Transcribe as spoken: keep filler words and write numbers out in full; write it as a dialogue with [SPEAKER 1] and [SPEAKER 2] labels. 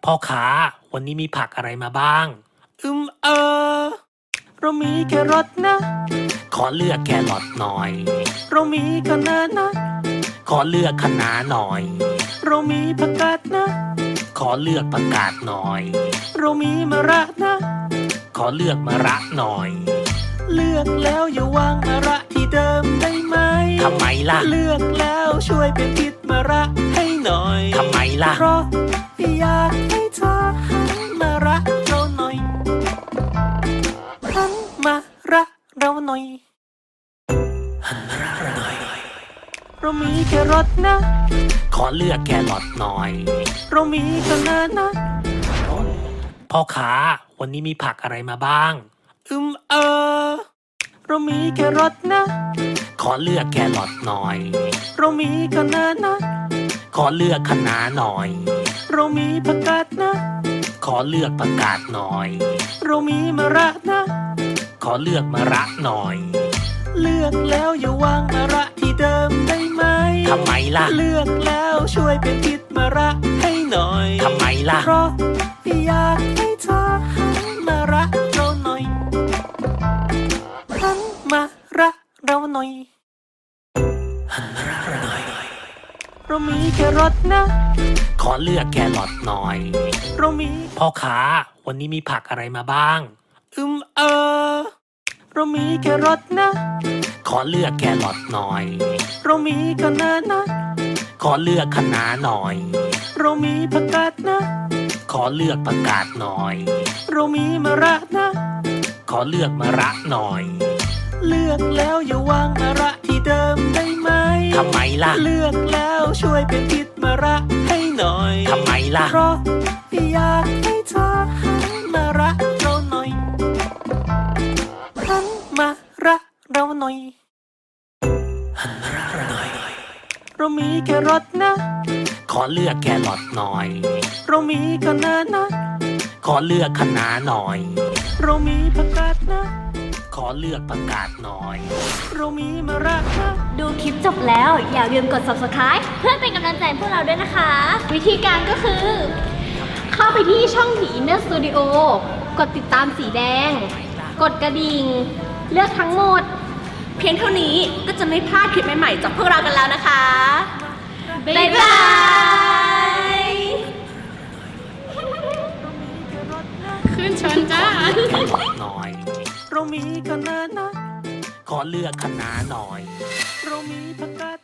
[SPEAKER 1] พ่อค้าวันนี้มีผักอะไรมาบ้าง อืมเออเรามีแครอทนะ ขอเลือกแครอทหน่อย เรามีคะน้านะ ขอเลือกคะน้าหน่อย เรามีผักกาดนะ ขอเลือกผักกาดหน่อย เรามีมะระนะ ขอเลือกมะระหน่อย เลือกแล้วอย่าวางมะระที่เดิมได้ไหมทำไมล่ะ เลือกแล้วช่วยเป็นทิศมะระให้หน่อยทำไมล่ะเพราะอยากให้เธอหันมารักเราหน่อยหันมารักเราหน่อยหันมารักเราหน่อยเรามีแครอทนะ ขอเลือกแครอทหน่อย เรามีคะน้านะพ่อค้าวันนี้มีผักอะไรมาบ้าง อืมเออเรามีแครอทนะ ขอเลือกแครอทหน่อย เรามีคะน้านะ ขอเลือกคะน้าหน่อย เรามีผักกาดนะ ขอเลือกผักกาดหน่อย เรามีมะระนะ ขอเลือกมะระหน่อย เลือกแล้วอย่าวางมะระที่เดิมได้ไหมทำไมล่ะ เลือกแล้วช่วยเป็นทิศมะระให้หน่อยทำไมล่ะเพราะอยากให้เธอหันมารักเราหน่อยหันมารักเราหน่อยหันมารักเราหน่อยเรามีแครอทนะ ขอเลือกแครอทหน่อย เรามีพ่อค้าวันนี้มีผักอะไรมาบ้าง อืมเออเรามีแครอทนะ ขอเลือกแครอทหน่อย เรามีคะน้านะ ขอเลือกคะน้าหน่อย เรามีผักกาดนะ ขอเลือกผักกาดหน่อย เรามีมะระนะ ขอเลือกมะระหน่อย เลือกแล้วอย่าวางมะระที่เดิมได้ไหมทำไมล่ะ เลือกแล้วช่วยเป็นทิศมะระให้หน่อยทำไมล่ะเพราะอยากให้เธอหันมารักเราหน่อยหันมารักเราหน่อยหันมารักเราหน่อยเรามีแครอทนะ ขอเลือกแครอทหน่อย เรามีคะน้านะ ขอเลือกคะน้าหน่อย เรามีผักกาดนะ ขอเลือกผักกาดหน่อย เรามีมะระนะ
[SPEAKER 2] ดูคลิปจบแล้วอย่าลืมกด ซับสไครบ์ เพื่อเป็นกำลังใจให้พวกเราด้วยนะคะ วิธีการก็คือ เข้าไปที่ช่อง The Inner Studio กดติดตามสีแดง กดกระดิ่ง เลือกทั้งหมด
[SPEAKER 3] เพียงเท่านี้ก็จะไม่พลาดคลิปใหม่ๆจากพวกเรากันแล้วนะคะ
[SPEAKER 2] บ๊ายบาย
[SPEAKER 3] ขึ้นชนจ้า
[SPEAKER 1] แครอทหน่อย เรามีคะน้านะ ขอเลือกคะน้าหน่อย เรามีผักกาด